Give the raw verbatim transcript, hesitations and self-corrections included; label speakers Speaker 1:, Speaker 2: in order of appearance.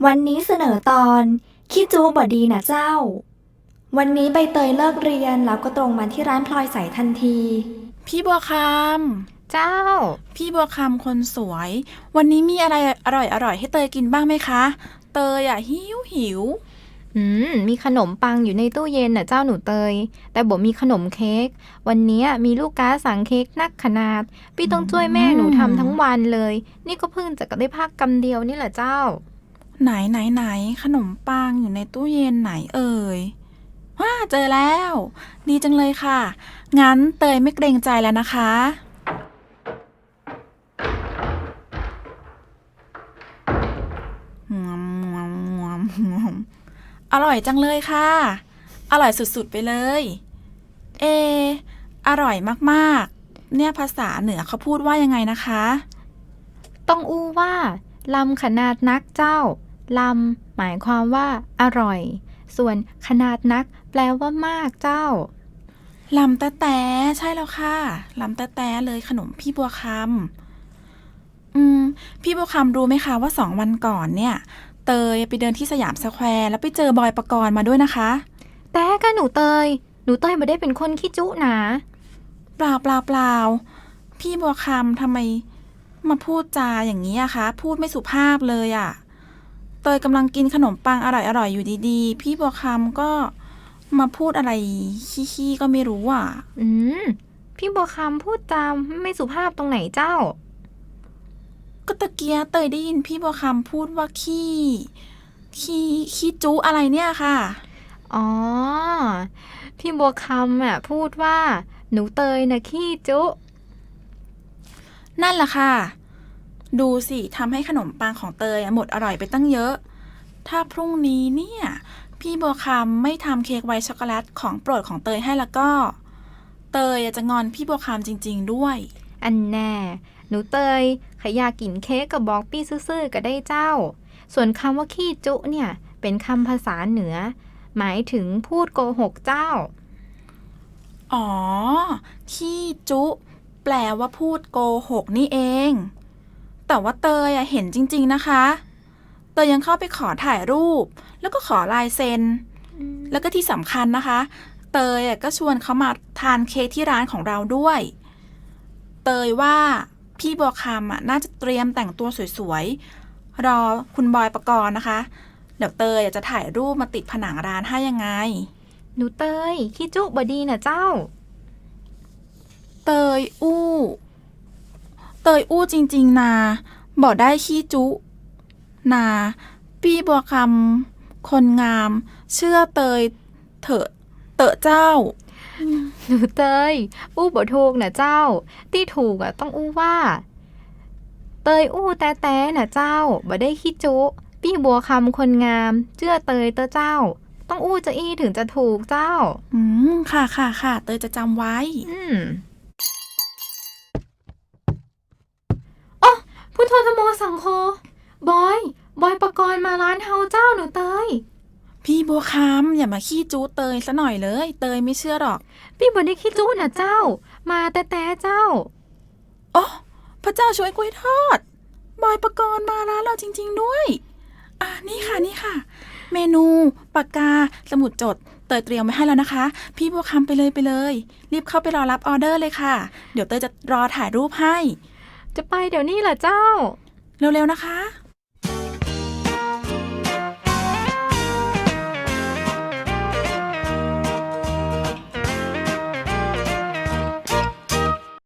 Speaker 1: วันนี้เสนอตอนขี้จู้บ่ดีนะเจ้าวันนี้ใบเตยเลิกเรียนแล้วก็ตรงมาที่ร้านพลอยใสทันที
Speaker 2: พี่บัวคำ
Speaker 3: เจ้า
Speaker 2: พี่บัวคำคนสวยวันนี้มีอะไรอร่อยอร่อยให้เตยกินบ้างไหมคะเตยอ่ะหิวหิว
Speaker 3: อืมมีขนมปังอยู่ในตู้เย็นน่ะเจ้าหนูเตยแต่บอกมีขนมเค้กวันนี้มีลูกค้าสั่งเค้กนักขนาดพี่ต้องช่วยแม่หนูทำทั้งวันเลยนี่ก็เพิ่งจะได้พักกำเดียวนี่แหละเจ้า
Speaker 2: ไหนไหนไหนขนมปังอยู่ในตู้เย็นไหนเอ่ยว้าเจอแล้วดีจังเลยค่ะงั้นเตยไม่เกรงใจแล้วนะคะอร่อยจังเลยค่ะอร่อยสุดๆไปเลยเออร่อยมากๆเนี่ยภาษาเหนือเขาพูดว่ายังไงนะคะ
Speaker 3: ต้องอู้ว่าลำขนาดนักเจ้าลำหมายความว่าอร่อยส่วนขนาดนักแปลว่ามากเจ้า
Speaker 2: ลำแต๊ะแต๊ะใช่แล้วค่ะลำแต๊ะแต๊ะเลยขนมพี่บัวคำอืมพี่บัวคำรู้ไหมคะว่าสองวันก่อนเนี่ยเตยไปเดินที่สยามสแควร์แล้วไปเจอบอยปกรณ์มาด้วยนะคะ
Speaker 3: แต่ก็หนูเตยหนูเตยไม่ได้เป็นคนขี้จุนะ
Speaker 2: เปล่าเปล่าเปล่าพี่บัวคำทำไมมาพูดจาอย่างนี้อะคะพูดไม่สุภาพเลยอะเตยกำลังกินขนมปังอร่อยอร่อยอยู่ดีๆพี่บัวคำก็มาพูดอะไรขี้ๆก็ไม่รู้อ่ะ
Speaker 3: อืมพี่บัวคำพูดจาไม่สุภาพตรงไหนเจ้า
Speaker 2: ก็ตะเกียเตยได้ยินพี่บัวคำพูดว่าขี้ขี้ขี้จุอะไรเนี่ยค่ะ
Speaker 3: อ๋อพี่บัวคำอ่ะพูดว่าหนูเตยนะขี้จุ
Speaker 2: นั่นแหละค่ะดูสิทำให้ขนมปังของเตยหมดอร่อยไปตั้งเยอะถ้าพรุ่งนี้เนี่ยพี่บัวคำไม่ทำเค้กไวท์ช็อกโกแลตของโปรดของเตยให้แล้วก็เตยจะงอนพี่บัวคำจริงๆด้วย
Speaker 3: อันแน่หนูเตยขยากินเค้กกับบอกปี้ซื่อๆก็ได้เจ้าส่วนคำว่าขี้จุเนี่ยเป็นคำภาษาเหนือหมายถึงพูดโกหกเจ้า
Speaker 2: อ๋อขี้จุแปลว่าพูดโกหกนี่เองแต่ว่าเตยเห็นจริงๆนะคะเตยยังเข้าไปขอถ่ายรูปแล้วก็ขอลายเซ็นแล้วก็ที่สำคัญนะคะเตยก็ชวนเขามาทานเค้กที่ร้านของเราด้วยเตยว่าพี่บัวคำน่าจะเตรียมแต่งตัวสวยๆรอคุณบอยปกรณ์นะคะเดี๋ยวเตยจะถ่ายรูปมาติดผนังร้านให้ยังไง
Speaker 3: หนูเตยขี้จุบดีนะเจ้า
Speaker 2: เตยอู้เตยอู้จริงๆนาบอกได้ขี้จุนาพี่บัวคำคนงามเชื่อเตยเถอะเตอะเจ้า
Speaker 3: หนูเตยอู้บ่ถูกนะเจ้าที่ถูกอ่ะต้องอู้ว่าเตยอู้แต่แต่นะเจ้าบ่ได้ขี้จุพี่บัวคำคนงามเชื่อเตยเตอเจ้าต้องอู้จะอี้ถึงจะถูกเจ้า
Speaker 2: อืมค่ะค่ะค่ะเตยจะจำไว้
Speaker 3: อืมอ๋อพุทโธธโมสังโฆบอยบอยปกรณ์มาร้านเฮาเจ้าหนูเตย
Speaker 2: พี่บัวคำอย่ามาขี้จู้เตยซะหน่อยเลยเตยไม่เชื่อหรอก
Speaker 3: พี่บ่ได้ขี้จู้นะเจ้ามาแต่แต่เจ้า
Speaker 2: โอ้พระเจ้าช่วยกล้วยทอดบอยปกรณ์มาร้านเราจริงๆด้วยอ่ะนี่ค่ะนี่ค่ะเมนูปากกาสมุดจดเตยเตรียมไว้ให้แล้วนะคะพี่บัวคำไปเลยไปเลยรีบเข้าไปรอรับออเดอร์เลยค่ะเดี๋ยวเตยจะรอถ่ายรูปให้
Speaker 3: จะไปเดี๋ยวนี้เหรอเจ้า
Speaker 2: เร็วๆนะคะ